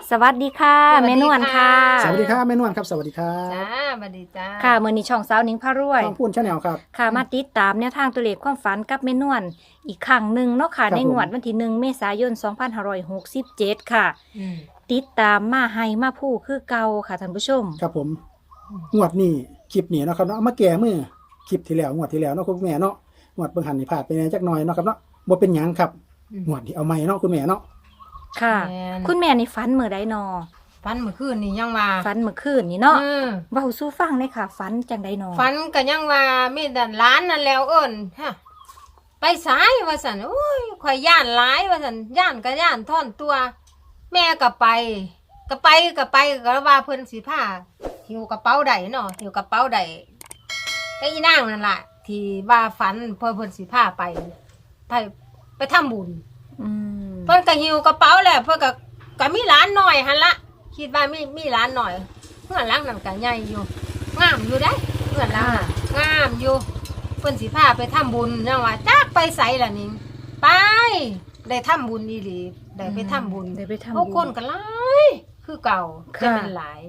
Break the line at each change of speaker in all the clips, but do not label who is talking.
สวัสดีค่ะแม่นวลค่ะ
สวัสดีครับแม่นวลครับสวัสดีครับ
จ้าสวัสดีจ้า
ค่ะมื้อนี้ช่องสาวหนิงพารวย
ช่องพูนชาแนลครับ
ค่ะมาติดตามแนวทางตัวเลขความฝันกับแม่นวลอีกครั้งหนึ่งเนาะค่ะ
ครับ
ในงวดวันที่1 เมษายน 2567 ค่ะ
อืม
ติดตามมาให้มาผู้คือเก่าค่ะท่านผู้ชม
ครับผมงวดนี้คลิปนี้เนาะครับเนาะเอามาแก้มือคลิปที่แล้วงวดที่แล้วเนาะคุณแม่เนาะงวดเบิ่งหันนี่พลาดไปแหน่จักหน่อยเนาะครับเนาะบ่เป็นหยังครับงวดนี้เอาใหม่เนาะคุณแม่เนาะ
ค่ะ
แม่น
คุณแม่นี่ฝันมื้อใดนอ
ฝันเมื่อคืนนี่ยังว่า
ฝันเมื่อคืนนี่เนาะ
อืม
เว้าสู่ฟังเลยค่ะฝันจังไดนอ
ฝันก็ยังว่ามีแต่ร้านนั่นแล้วเอิ้นฮะไปสายว่าสันโอ้ยข่อยย่านหลายว่าสันย่านก็ย่านท่อนตัว แม่ก็ไปก็ว่าเพิ่นสิพาหิวกระเป๋าใดเนาะหิวกระเป๋าใดก็อีนางนั่นล่ะที่ว่าฝันเพิ่นสิพาไปทำบุญ
อืม
เพิ่นก็หิวกระเป๋าแหละเพิ่นก็มีหลานหน่อยหั่นละคิดว่ามีหลานหน่อยเพื่อนหลังนั่นก็ใหญ่อยู่งามอยู่ได้เพื่อนหลังน่ะงามอยู่เพิ่นสิพาไปทำบุญจังว่าจักไปไสล่ะนี่ไปได้ทำบุญอีหลีได้ไปทำบุญ
ได้ไปทำ
เอา
บุ
คน
ญ
ก็หลายคือเก่า
ค่ะ
จะเป็นหลาย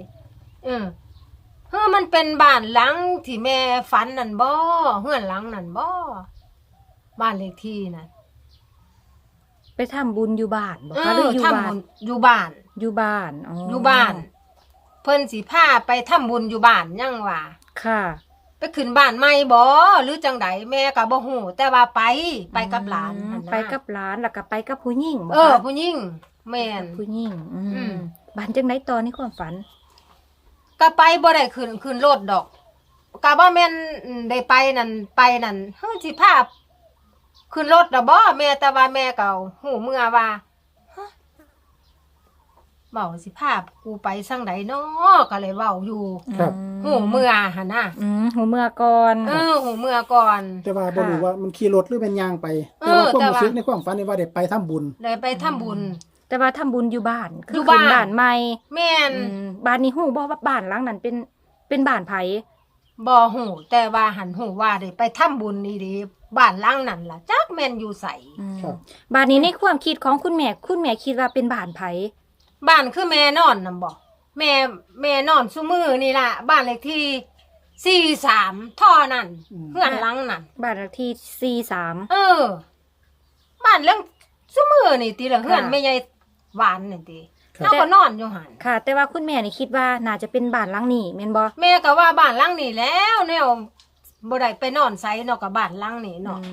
มันเป็นบ้านหลังที่แม่ฝันนั่นบ่เฮือนหลังนั่นบ่บ้านเลขที่นั่น
ไปทำบุญอยู่บ้านบ่คะหรืออยู่
ทำ
บ้า
บุ
น
ญอยู่บ้าน
อยู่บ้าน
อยู่บ้าน เพิ่นสิพาไปทำบุญอยู่บ้านยังว่า
ค่ะ
ไปขึ้นบ้านใหม่บ่หรือจังใดแม่ก็บ่ฮู้แต่ว่าไปกับหลานหั่นนะ
ไปกับหลานแล้วก็ไปกับผู้หญิงบ่
เออ
คะ
ผู้หญิงแม่น
ผู้หญิง
อืม
บ้านจังไดตอนนี้ความฝัน
ก็ไปบ่ได้ขึ้นรถดอกก็บ่แม่นได้ไปนั่นเฮ้ยสิพาขึ้นรถดอกบ่แม่แต่ว่าแม่ก็ฮู้เมื่อว่าฮะเว้าสิพากูไปจังใดน้อก็เลยเว้าอยู่
ครับ
ฮู้เมื่อหั่นน่ะ
หูเมื่อก่อน
ฮู้เมื่อก่อน
แต่ว่าบ่รู้ว่ามันขี่รถหรือเป็นยางไป
เอ
แต่
อ
ว่าความ
แต่ว่า
รู้สึกในความฝันนี่ว่าได้ไปทำบุญ
ได้ไปทำบุญ
แต่ว่าทำบุญอยู่บ้าน
อ
คื
ยู่
ขึ้น
บ้าน
บ้านใหม่
แม่น
บ้านนี้ฮู้บ่ว่าบ้านหลังนั้นเป็นบ้านไผ
บ่ฮู้แต่ว่าหันฮู้ว่าได้ไปทำบุญนี่ดิบ้านหลังนั้นล่ะจักแม่นอยู่ไส
ครับ
บ้านนี้ในความคิดของคุณแม่คิดว่าเป็นบ้านไผ
บ้านคือแม่นอนนำบ่แม่นอนซุมื้อนี่ล่ะบ้านเลขที่43ท่อนั่นเฮือนหลังนั่น
บ้านเลขที่43
บ้านเรื่องซุมื้อนี่ติละเฮือน
ค่ะ
แม่ใหญ่หวานนี่ติ
ครับ
เฮาก็นอนอยู่หั่น
ค่ะ แต่ว่าคุณแม่นี่คิดว่าน่าจะเป็นบ้านหลังนี้แม่นบ่
แม่ก็ว่าบ้านหลังนี้แล้วแนวบ่ได้ไปนอนไสเนาะก็บ้านหลังนี้เนาะ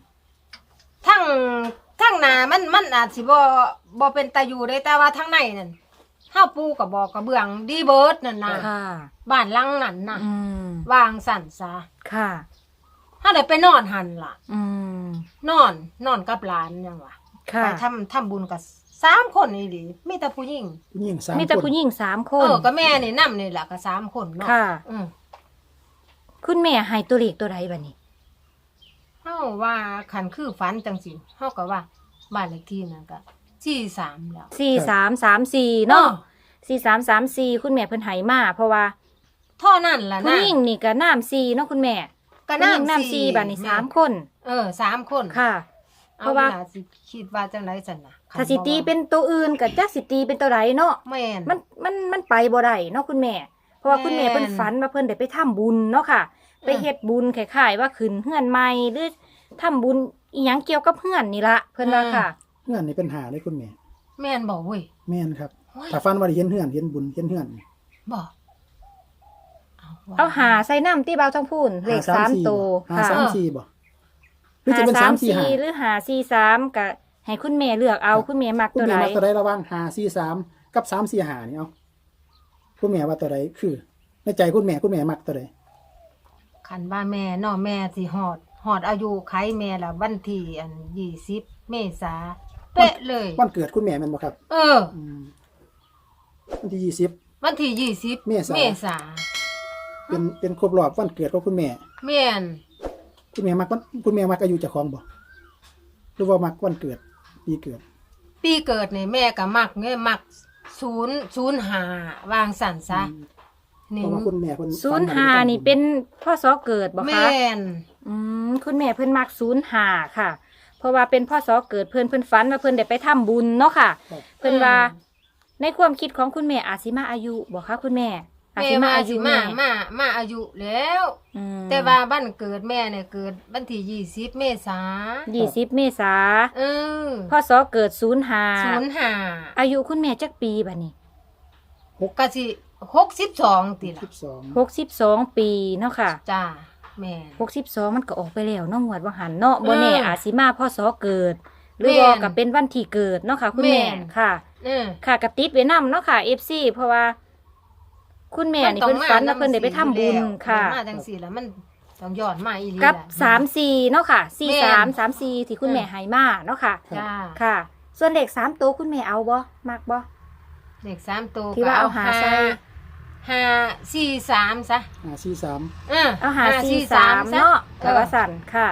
ทั้งหน้ามันอาจสิบ่เป็นตาอยู่ได้แต่ว่าทั้งในนั่นเฮาปูก็บอกกระเบื้องดีเบิดนั่นน่ะ
ค่ะ
บ้านหลังนั้นน่ะ
อืม
วางสั่นซะ
ค่ะ
เฮาได้ไปนอนหั่นล่ะ
อืม
นอนกับหลานจังว่า
ค่ะ
ไปทำบุญกับ3คนนี่ดิมีแต่ผู้หญิง
ผู้หญิง3
มีแต่
คน
ผู้หญิง3 คน
ก็แม่นี่นำนี่ล่ะก็3คนเนาะ
ค่ะ
อือ
คุณแม่ให้ตัวเลขตัวใดบัดนี้
เฮาว่าคันคือฝันจังซี่เฮาก็ว่าบ้านเลขที่นั่นก็43แล้ว
4334เนาะ4334คุณแม่เพิ่นให้มาเพราะว่า
เท่านั้นล่ะ
ผู้
นะ
หญิงนี่ก็น้ำ4เนาะคุณแม่
ก็
ผู้หญิง
น้ำ
น้ำ4บัดนี้
แม่
3 คน
3คน
ค่ะ เพ
เพ
ราะ
ราะ
ว่า
ว่าสิคิดว่าจังไดซั่นน่ะ
ถ้าสิตีเป็นตัวอื่นก็จักสิตีเป็นตัวใดเนาะ
แม่น
มันไปบ่ได้เนาะคุณแม่ เพราะว่าคุณแม่
แม่น
เพิ่นฝันว่าเพิ่นได้ไปทำบุญเนาะค่ะ ไปเฮ็ดบุญคล้ายๆว่าขึ้นเฮือนใหม่หรือทำบุญอีหยังเกี่ยวกับเฮือนนี่ละเพิ่นว่าค่ะ
เฮือนนี่เป็นหาเลยคุณแม่
แม่นบอกเว้ย
แม่นครับ
โอ้ย
ถ้าฝันว่าได้เห็นเฮือนเห็นบุญเห็นเฮือน
บอก
เอาหาใส่น้ำที่เบาท้องพูนเลข3ตัว
หา
ค่ะ
สามสี่บ่หรือจะเป็น345
หรือ543ก็ให้คุณแม่เลือกเอาคุณแม่มัก
คุณ
ตัว
แม่
ใด
มักตัวใดระหว่าง543กับ345นี่เอาคุณแม่ว่าตัวใดคือ ในใจคุณแม่มักตัวใด
คันว่าแม่เนาะแม่สิฮอดอายุไขแม่ละวันที่20 เมษาเป๊ะเลย
วันเกิดคุณแม่แม่นบ่ครับ
ม
วันที่20
วันที่20
เมษา
เมษา
เป็นครบรอบวันเกิดของคุณแม่
แม่น
คุณแม่มักอายุเจ้าของบ่หรือว่ามักวันเกิดปีเกิด
ปีเกิดนี่แม่ก็มักเงี้ยมัก005วางสั่นซะ
เพ
นี่
ราะว่าคุณแม่เพิ่น
05นี่เป็นพศเกิดบ่คะ
แม่น
คุณแม่เพิ่นมัก05ค่ะ เพราะว่าเป็นพศเกิดเพิ่นฝันว่าเพิ่นได้ไปทำบุญเนาะค่ะ
ครับ
เพิ่นว่าในในความคิดของคุณแม่อาจสิมาอายุบ่คะคุณแม่อาจ
แม่
สิมา
ว่า
อา
สิ
ยุ
มา
แม่
มาอายุแล้ว
อืม
แต่ว่าบ้านเกิดแม่เนี่ยเกิดวันที่20 เมษา
20 เมษา
เออ
พศเกิด05
05
อายุคุณแม่จักปีบัดนี้
ก็สิ62ติล่ะ
62 ปีเนาะค่ะ
จ้าแม่น
62มันก็ออกไปแล้วเนาะงวดว่าหันเนาะบ่แน่
เอออ
อาจสิมาพศเกิด หรือ
แม่
ว่าน ก็เป็นวันที่เกิดเนาะค่ะ คุณแม่
แม่น
ค่ะ
เออ
ค่ะกระติดไว้นำเนาะค่ะ FC เพราะว่า คุณแม่นี่เพิ่นฝันว่าเพิ่นได้ไปทำบุญค่ะ
มาจังซี่แล้วมันต้องย้อนมาอีหลี
กับ
ล่ะ
34เนาะค่ะ
แม่น
43 34ที่คุณแม่ให้มาเนาะค่ะ
จ้า
ค่ะ ส่วนเลข3ตัวคุณแม่เอาบ่มักบ่
เลข3ตัว
ที่ว่าเอาหาใส่
543ซะ
43
เอาหา43เนาะแต่ว่าสั่นค่ะ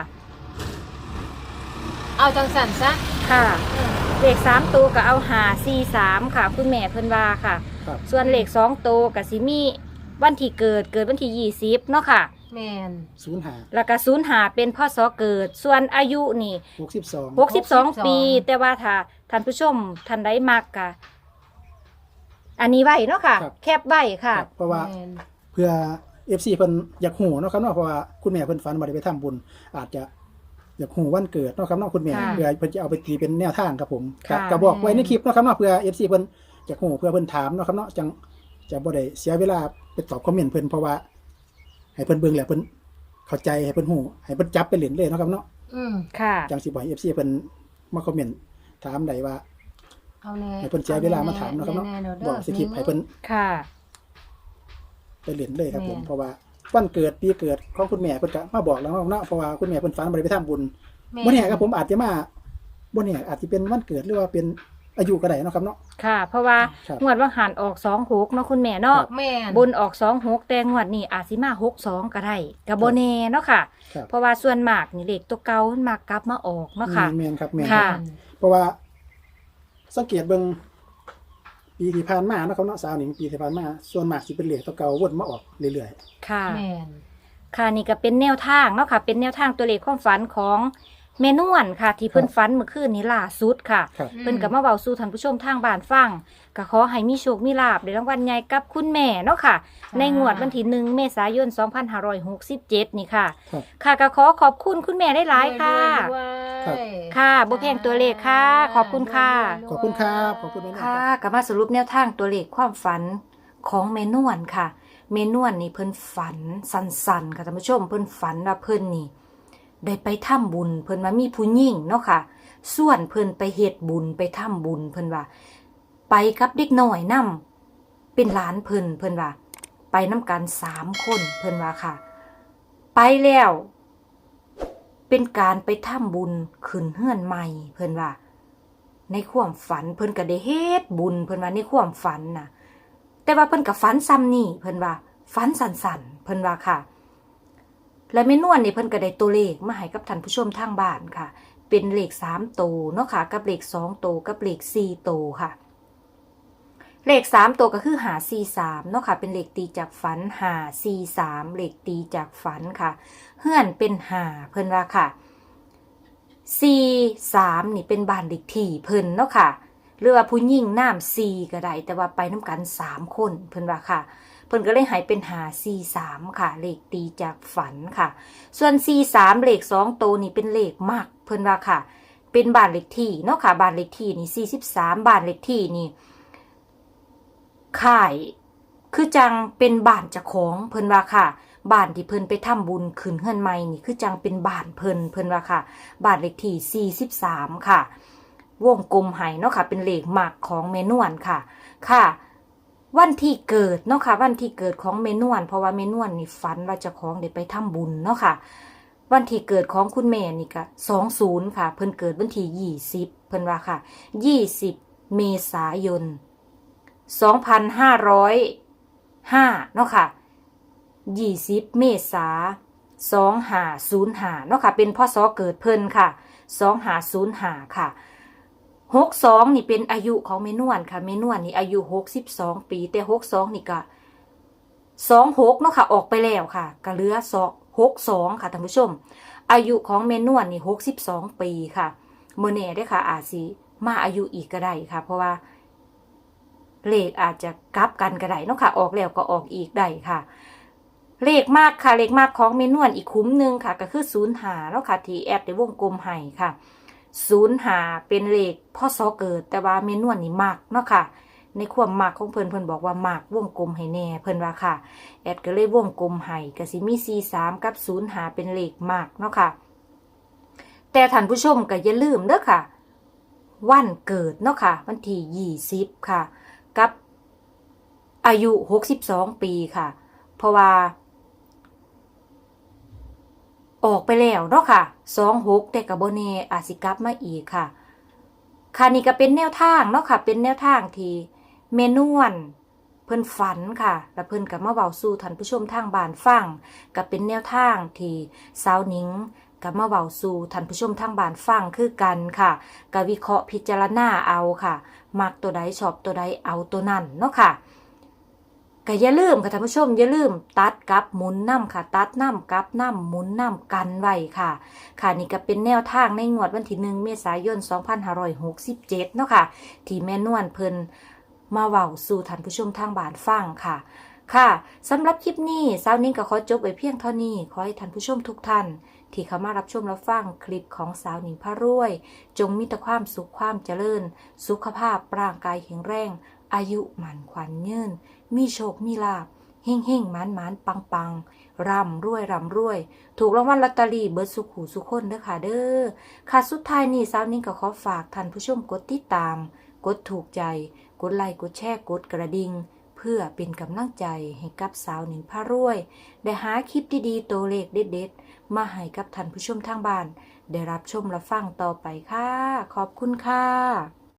เอาจังสั่นซะ
ค่ะ เลข3ตัวก็เอาหา43ค่ะ คุณแม่เพิ่นว่าค่ะ
ครับ
ส่วนเลข2ตัวก็สิมีวันที่เกิดวันที่20เนาะค่ะ
แม่น
05
แล้วก็05เป็นพศเกิด ส่วนอายุนี่
62
62 ปี แต่ว่าถ้าท่านผู้ชมท่านใดมักก็อันนี้ไว้เนาะค่ะ
ครับ
แคปไว้ค่ะ
ครับเพราะว่า
แม่น
เพื่อ FC เพิ่นอยากฮู้เนาะครับเนาะเพราะว่าคุณแม่เพิ่นฝันว่าได้ไปทำบุญ อาจจะอยากฮู้วันเกิดเนาะครับเนาะคุณแม่
ค่ะ
เพื่อเพิ่นจะเอาไปตีเป็นแนวทางครับผมครับ
ค่ะ
ก็บอกไว้ในคลิปเนาะครับเนาะเพื่อ FC เพิ่นอยากฮู้เพื่อเพิ่นถามเนาะครับเนาะจังจะบ่ได้เสียเวลาไปตอบคอมเมนต์เพิ่นเพราะว่าให้เพิ่นเบิ่งแล้วเพิ่นเข้าใจให้เพิ่นฮู้ให้เพิ่นจับไปเล่นเลยเนาะครับเนาะ
ค่ะ
จังสิบ่ให้ FC เพิ่นมาคอมเมนต์ถามได้ว่า
เอาแน่
ให้เพิ่นเสียเวลามาถามเนาะครับเนาะ
แๆ
บอกสคริปต์ให้เพิ่น
ค่ะ
ไปเล่นเลยครับผม
แม่
เพราะว่าวันเกิดปีเกิดของคุณแม่เพิ่นก็มาบอกแล้วเนาะเพราะว่าคุณแม่เพิ่นฝันบ่ได้ไปทำบุญ
แม่
บ่แน่ครับผมอาจจะมาบ่แน่อาจจะเป็นวันเกิดหรือว่าเป็นอายุก็ได้เนาะครับเนาะ
ค่ะ เพราะว่า
ครับ
งวดว่าหันออก26เนาะคุณแม่เนาะ
แม่น
บนออก26แต่งวดนี้อาจสิมา62ก็ได้ก็บ่แน่เนาะค่ะ
ครับ
เพราะว่าส่วนมากนี่เลขตัวเก่ามันมักกลับมาออกเนาะค่ะ
แม่นครับแม่น
ค่ะ
เพราะว่าสังเกตเบิ่งปีที่ผ่านมาเนาะครับเนาะสาวหนิงปีที่ผ่านมาส่วนมากสิเป็นเลขตัวเก่าวนมาออกเรื่อย
ค่ะ
แม่น
ค่ะนี่ก็เป็นแนวทางเนาะค่ะ เป็นแนวทางตัวเลขความฝันของแม่นวลค่ะ ที่เพิ่นฝันเมื่อคืนนี้ล่าสุดค่ะ
ๆครับ
เพิ่นก็มาเว้าสู่ท่านผู้ชมทางบ้านฟังก็ขอให้มีโชคมีลาภในรางวัลใหญ่กับคุณแม่เนาะค่ะ ในงวดวันที่1 เมษายน 2567 นี่ค่ะ
ครับ
ค่ะก็ขอขอบคุณคุณแม่ได้หลายๆค่ะ
ครับ
ค่ะบ่แพงตัวเลขค่ะ ขอบคุณค่ะ
ขอบคุณครับขอบคุณแม่นวลค
ค่ะ
รับ
ก็มาสรุปแนวทางตัวเลขความฝันของเมนวนค่ะ เมนวนนี่เพิ่นฝันสันๆค่ะท่านผู้ชมเพิ่นฝันว่าเพิ่นนี่ ได้ไปทำบุญเพิ่นว่ามีผู้หญิงเนาะค่ะ ส่วนเพิ่นไปเฮ็ดบุญไปทำบุญเพิ่นว่า ไปกับเด็กน้อยนํเป็นหลานเพิ่นว่า ไปนํกัน3 คนเพิ่นว่าค่ะ ไปแล้ว เป็นการไปทำบุญขึ้นเฮือนใหม่เพิ่นว่า ในความฝันเพิ่นก็ได้เฮ็ดบุญเพิ่นว่าในความฝันน่ะ แต่ว่าเพิ่นก็ฝันซ้ำนี่เพิ่นว่าฝันสั่นๆเพิ่นว่าค่ะ และแม่นวลนี่เพิ่นก็ได้ตัวเลขมาให้กับท่านผู้ชมทางบ้านค่ะ เป็นเลข3ตัวเนาะค่ะ กับเลข2ตัวกับเลข4ตัวค่ะ เลข3ตัวก็คือ543เนาะค่ะ เป็นเลขตีจากฝัน543เลขตีจากฝันค่ะ เฮือนเป็น5เพิ่นว่าค่ะ 43นี่เป็นบ้านเลขที่เพิ่นเนาะค่ะ หรือว่าผู้หญิงน้ำ4ก็ได้แต่ว่าไปน้ำกัน3 คนเพิ่นว่าค่ะ เพิ่นก็เลยหายเป็น543ค่ะ เลขตีจากฝันค่ะ ส่วน43เลข2ตัวนี่เป็นเลขมักเพิ่นว่าค่ะ เป็นบ้านเลขที่เนาะค่ะบ้านเลขที่นี่43บ้านเลขที่นี่ค่ายคือจังเป็นบ้านเจ้าของเพิ่นว่าค่ะ บ้านที่เพิ่นไปทำบุญขึ้นเฮือนใหม่นี่คือจังเป็นบ้านเพิ่นว่าค่ะบ้านเลขที่43ค่ะ วงกลมให้เนาะค่ะเป็นเลขหมักของเมนวนค่ะค่ะ วันที่เกิดเนาะค่ะวันที่เกิดของเมนวนเพราะว่าเมนวนนี่ฝันว่าเจ้าของได้ไปทำบุญเนาะค่ะ วันที่เกิดของคุณแม่นี่ก็20ค่ะ เพิ่นเกิดวันที่20เพิ่นว่าค่ะ20 เมษายน 2505เนาะค่ะ20 เมษา2505เนาะค่ะเป็นพศเกิดเพิ่นค่ะ2505ค่ะ62นี่เป็นอายุของเมนวนค่ะเมนวนนี่อายุ62ปีแต่62นี่ก็26เนาะค่ะออกไปแล้วค่ะก็เหลือ62ค่ะท่านผู้ชมอายุของเมนวนนี่62ปีค่ะมื้อนี้เด้อค่ะอาจสิมาอายุอีกก็ได้ค่ะเพราะว่าเลขอาจจะกลับกันก็ได้เนาะค่ะออกแล้วก็ออกอีกได้ค่ะเลขมากค่ะเลขมากของเมนวนอีกคุ้มหนึ่งค่ะก็คือ05เนาะค่ะที่แอดได้วงกลมให้ค่ะ05เป็นเลขพศเกิดแต่ว่าเมนวนนี่มักเนาะค่ะในความมักของเพิ่นบอกว่ามักวงกลมให้แน่เพิ่นว่าค่ะแอดก็เลยวงกลมให้ก็สิมี43กับ05เป็นเลขมักเนาะค่ะแต่ท่านผู้ชมก็อย่าลืมเด้อค่ะวันเกิดเนาะค่ะวันที่20ค่ะกับอายุ62ปีค่ะเพราะว่าออกไปแล้วเนาะค่ะ26แต่ก็บ่แน่อาจสิกลับมาอีกค่ะค่ะนี่ก็เป็นแนวทางเนาะค่ะเป็นแนวทางที่เมนวนเพิ่นฝันค่ะแล้วเพิ่นก็มาเว้าสู่ท่านผู้ชมทางบ้านฟังก็เป็นแนวทางที่สาวหนิงก็มาเว้าสู่ท่านผู้ชมทางบ้านฟังคือกันค่ะก็วิเคราะห์พิจารณาเอาค่ะมักตัวใดชอบตัวใดเอาตัวนั้นเนาะค่ะก็อย่าลืมค่ะท่านผู้ชมอย่าลืมตัดกับหมุนน้ำค่ะตัดน้ำกับน้ำหมุนน้ำกันไว้ค่ะค่ะนี่ก็เป็นแนวทางในงวดวันที่1 เมษายน 2567เนาะค่ะที่แม่นวลเพิ่นมาเว้าสู่ท่านผู้ชมทางบ้านฟังค่ะค่ะสำหรับคลิปนี้สาวนิ้งก็ขอจบไว้เพียงเท่านี้ขอให้ท่านผู้ชมทุกท่านที่เข้ามารับชมรับฟังคลิปของสาวหนิงพระรวยจงมีแต่ความสุขความเจริญสุขภาพร่างกายแข็งแรงอายุหมันขวัญยืนมีโชคมีลาภเฮ่งเฮ่งหมานหมานปังปังร่ำรวยร่ำรวยถูกรางวัลลอตเตอรี่เบิดสุขหูสุขคนเด้อค่ะเด้อค่ะสุดท้ายนี้สาวนิ้งก็ขอฝากท่านผู้ชมกดติดตามกดถูกใจกดไลค์กดแชร์กดกระดิ่งเพื่อเป็นกำลังใจให้กับสาวหนิงพระรวยได้หาคลิปดีๆตัวเลขเด็ดๆมาให้กับท่านผู้ชมทางบ้านได้รับชมรับฟังต่อไปค่ะขอบคุณค่ะ